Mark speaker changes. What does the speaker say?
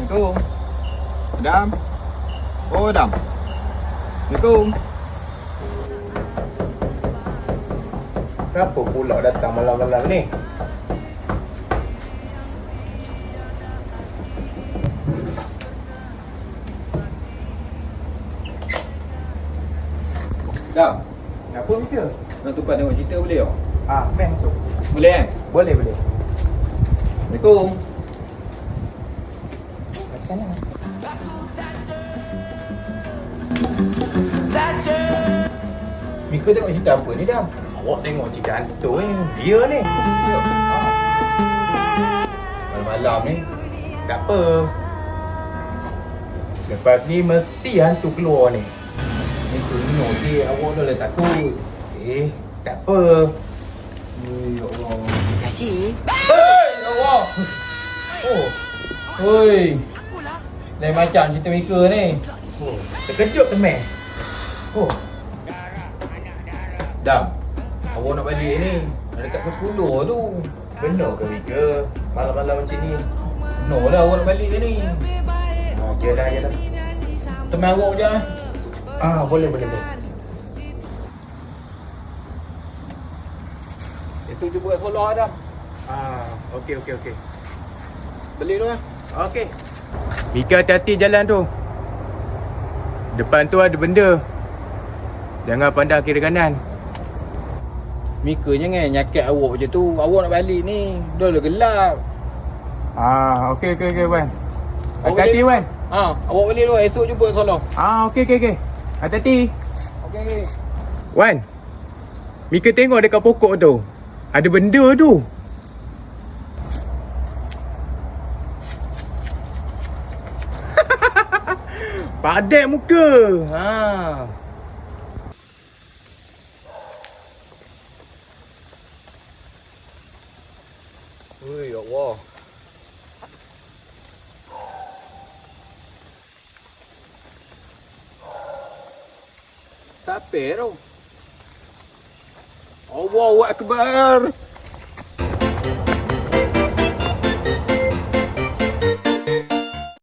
Speaker 1: Assalamualaikum. Adam. Oh, Adam. Assalamualaikum.
Speaker 2: Siapa pula datang malam-malam ni?
Speaker 1: Adam,
Speaker 2: Apa Mika?
Speaker 1: nak tumpah tengok cerita boleh tak?
Speaker 2: Main masuk.
Speaker 1: Boleh kan?
Speaker 2: Boleh.
Speaker 1: Assalamualaikum.
Speaker 2: Sana.
Speaker 1: Mika tengok cerita apa ni, Adam?
Speaker 2: Awak tengok cerita hantu dia ni.
Speaker 1: Malam-malam ni.
Speaker 2: Tak apa. Lepas ni mesti hantu keluar ni.
Speaker 1: Mika ni okey, awak dah lah takut.
Speaker 2: Tak apa.
Speaker 1: Ya Allah.
Speaker 2: Kasih.
Speaker 1: Hei, ya Allah.
Speaker 2: Oh,
Speaker 1: Hoi. Lain macam cerita Mika ni.
Speaker 2: terkejut teman.
Speaker 1: Dam, awak nak balik ni. Dah dekat ke 10 tu.
Speaker 2: Benar ke Mika? Malam-malam macam ni.
Speaker 1: No lah awak nak balik ni.
Speaker 2: Ya dah.
Speaker 1: Teman awak je.
Speaker 2: Boleh.
Speaker 1: Esok jumpa kat Solah, Adam.
Speaker 2: Okey.
Speaker 1: Balik tu lah.
Speaker 2: Okey. Mika hati-hati jalan tu. Depan tu ada benda. Jangan pandang kiri kanan.
Speaker 1: Mika jangan nyakat awak je tu. Awak nak balik ni. Dah lah gelap.
Speaker 2: Okey Wan. Hati-hati Wan.
Speaker 1: Awak balik tu. Esok jumpa kat Solah.
Speaker 2: Okey. Hati-hati.
Speaker 1: Okey.
Speaker 2: Wan. Mika tengok dekat pokok tu. Ada benda tu. Padat muka.
Speaker 1: Oi, ya Allah. Siapa tu? Allahu Akbar.